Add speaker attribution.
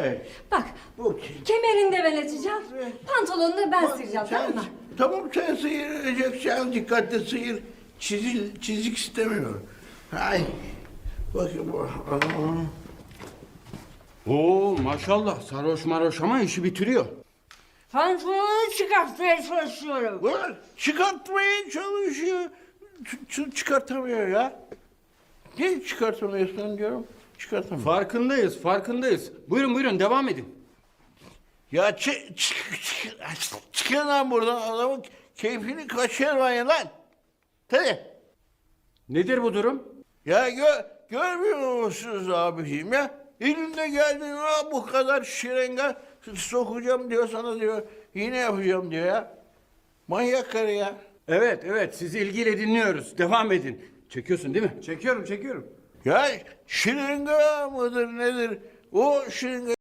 Speaker 1: Evet.
Speaker 2: Bak,
Speaker 1: Bu
Speaker 2: kemerini de ben açacağım,
Speaker 1: Evet.
Speaker 2: pantolonunu da ben sıyıracağım, tamam mı?
Speaker 1: Tamam sen sıyıracaksın, dikkatli sıyır. Çizik istemiyorum. Ay. Bakın bu.
Speaker 3: Oo maşallah sarhoş maroş ama işi bitiriyor.
Speaker 2: Pantolonunu çıkartmaya çalışıyorum.
Speaker 1: Ulan çıkartmaya çalışıyor. Çıkartamıyor ya. Niye çıkartamıyorsun diyorum. Çıkartamıyor.
Speaker 3: Farkındayız. Buyurun devam edin.
Speaker 1: Ya çıkın lan buradan, adamın keyfini kaçırmayın lan. Tabii.
Speaker 3: Nedir bu durum?
Speaker 1: Ya görmüyor musunuz abiciğim ya? Elinde geldin ha bu kadar şırınga sokacağım diyor sana diyor. Yine yapacağım diyor ya. Manyak karı ya.
Speaker 3: Evet sizi ilgiyle dinliyoruz. Devam edin. Çekiyorsun değil mi?
Speaker 4: Çekiyorum.
Speaker 1: Ya şırınga mıdır nedir? O şırınga